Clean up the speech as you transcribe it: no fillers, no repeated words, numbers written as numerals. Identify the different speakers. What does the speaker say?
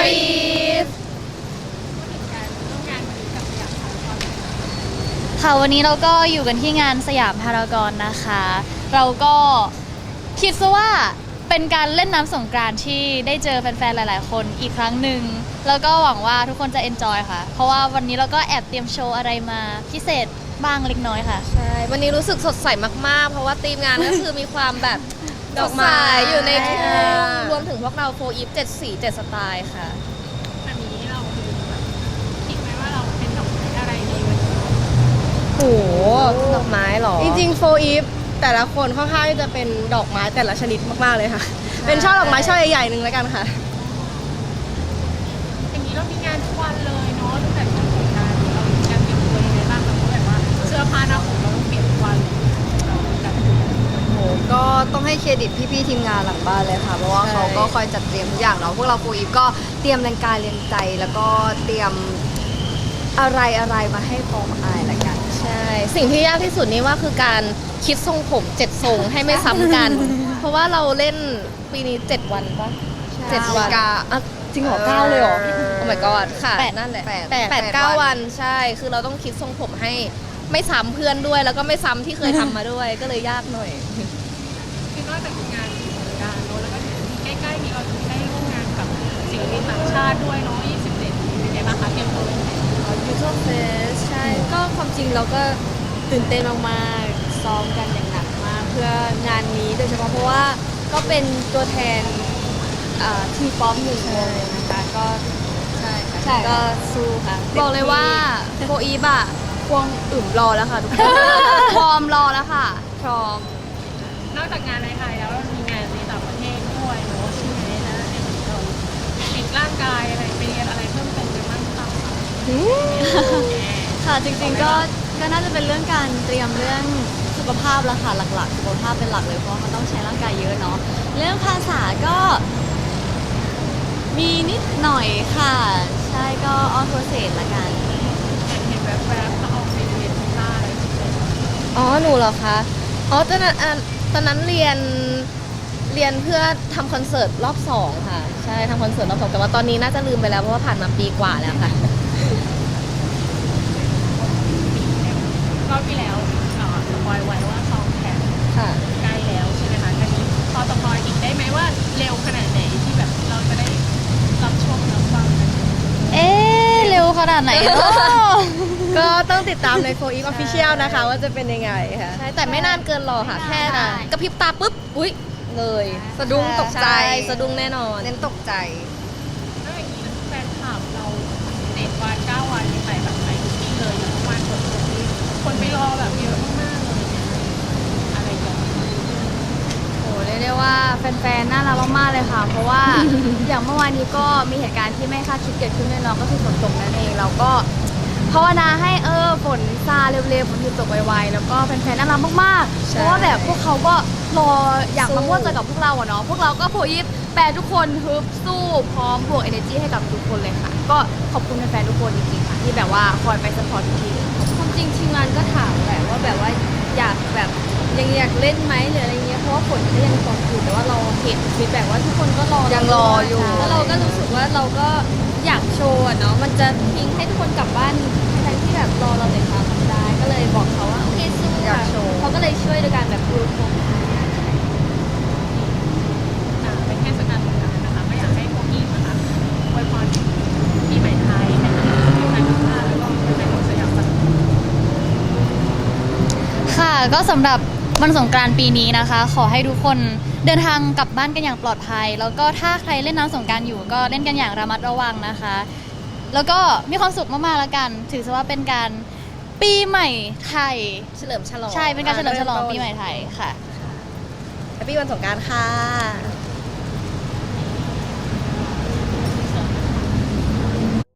Speaker 1: Brief
Speaker 2: ค่ะวันนี้เราก็อยู่กันที่งานสยามพารากอนนะคะ เราก็คิดซะว่าเป็นการเล่นน้ำสงกรานต์ที่ได้เจอแฟนๆหลายๆคนอีกครั้งหนึ่งแล้วก็หวังว่าทุกคนจะเอนจอยค่ะเพราะว่าวันนี้เราก็แอบเตรียมโชว์อะไรมาพิเศษบ้างเล็กน้อยค่ะ
Speaker 1: ใช่ วันนี้รู้สึกสดใสมากๆ เพราะว่าทีมงานก็คือมีความแบบดอกไม้อยู่ในทุ่งรวมถึงพวกเราโฟอีฟ7 สี 7 สไตล์ค่ะ
Speaker 3: แบบนี้เราคิดไหมว่าเราเป็นดอกไม้อะไรดีวันนี้
Speaker 1: โหดอกไม้เหรอ
Speaker 4: จริงๆโฟอีฟแต่ละคนค่อนข้างที่จะเป็นดอกไม้แต่ละชนิดมากๆเลยค่ะ เป็นช่อดอกไม้ช่อใหญ่ๆหนึ่งแล้วกันค่ะ
Speaker 3: อย่างนี้เรามีงานทุกวันเลยเนาะตั้งแต่วันสงกรานต์เรามีการเตรียมตัวยังไงบ้างคะเพราะแบบว่าเสื้อผ้าหน้าผมเราต้องเปลี่ยนทุกวันเลยแบบ
Speaker 5: โหก็ต้องให้เครดิตพี่ๆทีมงานหลังบ้านเลยค่ะ เพราะว่า
Speaker 4: ใช่
Speaker 5: เขาก็คอยจัดเตรียมทุกอย่างเนาะพวกเราปูอีฟก็เตรียมแรงกายแรงใจแล้วก็เตรียมอะไรมาให้พร้อมอายละกัน
Speaker 1: ใช่ สิ่งที่ยากที่สุดนี่ว่าคือการคิดทรงผม7 ทรงให้ไม่ซ้ำกัน เพราะว่าเราเล่นปีนี้7 วันปะ7 วัน
Speaker 5: อ่ะจริงเหรอ9เลยเหรอ
Speaker 1: โอ้ my god ค่ะ
Speaker 5: แปด
Speaker 1: นั่นแหละ
Speaker 5: แปด
Speaker 1: แปด
Speaker 5: แปด
Speaker 1: เก้า
Speaker 5: วัน
Speaker 1: วันใช่ คือเราต้องคิดทรงผมให้ไม่ซ้ำเพื่อนด้วย แล้วก็ไม่ซ้ำที่เคยทำมาด้วย ก็เลยยากหน่อย
Speaker 3: คือนอกจากงานสงกรานต์เนาะแล้วก็ใกล้ๆนี้เราจะได้ร่วมงานกับศิลปินต่างชาติด้วยเนาะ27เป็นไงบ้างคะเตรียมตัวยังไง
Speaker 5: ยูทูบเฟสใช่ ก็ความจริงเราก็ตื่นเต้นมากๆซ้อมกันอย่างหนักมากเพื่องานนี้โดยเฉพาะเพราะว่าก็เป็นตัวแทนทีป๊อปหนึ่งวงนะคะก็ใช่ค่ะก็สู้ค่ะบอกเลยว่าโฟอีฟอะควงอึ่มรอแล้วค่ะทุกคน พร้อมรอแล้วค่ะพร้อม
Speaker 3: นอกจากงานในไทยแล้วเรามีงานในต่างประเทศด้วยเนาะใช่ไหมแล้วในเหมือนเราฟิตร่างกายอะไรไปเรียนอะไรเพิ่มเติมไปบ้างหรือเปล่าคะ
Speaker 2: ค่ะจริงๆก็น่าจะเป็นเรื่องการเตรียมเรื่องสุขภาพละค่ะหลักๆสุขภาพเป็นหลักเลยเพราะมันต้องใช้ร่างกายเยอะเนาะเรื่องภาษาก็มีนิดหน่อยค่ะ ใช่ก็ออนโปรเซสละกัน
Speaker 3: เห็นแวบๆก็ออกไปเรียนกีตาร์อะไรอย่างเงี้ย
Speaker 1: อ๋อ หนูเหรอคะ อ๋อ ตอนนั้นเรียนเพื่อทำคอนเสิร์ตรอบ 2 ค่ะ ใช่ทำคอนเสิร์ตรอบ 2 แต่ว่าตอนนี้น่าจะลืมไปแล้วเพราะว่าผ่านมาปีกว่าแล้วค่ะ
Speaker 3: รอบที่แล้วสปอยไว้ว่าซองแข่ง
Speaker 1: ค่ะ
Speaker 3: ใกล้แล้วใช่ไหมคะอันนี้พอสปอยอีกได้ไหมว่าเร็วขนาดไหนที่แบบเราจะได้รับชมรับฟังกัน
Speaker 2: เอ๊ะเร็วขนาดไหนเนาะ
Speaker 4: ก็ต้องติดตามในโฟอีฟออฟฟิเชียลนะคะ ว่าจะเป็นยังไงค่ะ
Speaker 1: ใช่ แต่ไม่นานเกินรอค่ะ แค่นะกระพริบตาปุ๊บ อุ๊ย เลย
Speaker 5: สะดุ้งตกใจ
Speaker 1: ช่สะดุ้งแน่นอน
Speaker 5: เน้นตกใจ
Speaker 3: แล้วอย่างนี้แฟนคลับเรา7 วัน9 วันไปแบบไปทุกที่เลยอย่างเมื่อวานคนไปรอแบบเยอะมากๆเลยเนี่ยอะไรอย่างเงี้ย
Speaker 5: โหเรียกได้ว่าแฟนๆ น่ารักมากๆ เลยค่ะ เพราะว่า อย่างเมื่อวานนี้ก็มีเหตุการณ์ที่ไม่คาดคิดเกิดขึ้นด้วยเนาะก็คือฝนตกนั่นเองเราก็ภาวนาให้ฝนซาเร็วๆฝนหยุดตกไวๆแล้วก็แฟนๆ น่ารักมากๆ เพราะว่าแบบพวกเขาก็รออยากมาม่วนใจกับพวกเราอะเนาะพวกเราก็โพยิปแปรทุกคนฮึบสู้พร้อมบวก energy ให้กับทุกคนเลยค่ะ ก็ขอบคุณแฟนๆ ทุกคนจริงๆ ค่ะที่แบบว่าคอยไปสปอร์ตทุกทีความจริงทีมงานก็ถามแหละว่าแบบว่าอยากแบบ ยังอยากเล่นไหมหรืออะไรเงี้ยเพราะว่าฝนก็ยังตกอยู่แต่ว่าเราเห็นฟีดแบ็กว่าทุกคนก็รอยังรออยู่แล้วเราก็รู้สึกว่าเราก็อยากโชว์อะเนาะมันจะทิ้งให้ทุกคนกลับบ้านทั้งที่แบบรอเราเลยค่ะทำได้ก็เลยบอกเขาว่าโอเคสู้ค่ะเขาก็เลยช่วยโดยการแบบดูโครง
Speaker 3: เป็นเทศกาลสงกรานต์นะคะก็อยากให้พวกพี่นะคะอวยพรปีใหม่ไทยให้กับทุกท่านทุกท่านแล้วก็ให้คนสยามสัน
Speaker 2: ค่ะก็สำหรับวันสงกรานต์ปีนี้นะคะ ขอให้ทุกคนเดินทางกลับบ้านกันอย่างปลอดภัย แล้วก็ถ้าใครเล่นน้ำสงกรานต์อยู่ก็เล่นกันอย่างระมัดระวังนะคะ แล้วก็มีความสุขมากๆแล้วกัน ถือซะว่าเป็นการปีใหม่ไทย
Speaker 1: เฉลิมฉลอง
Speaker 2: ใช่เป็นการเฉลิมฉลอง
Speaker 4: เริ่มต้น
Speaker 2: ปีใหม่ไทยค่ะ
Speaker 4: แฮปปี้วันสงกรานต์ค่ะ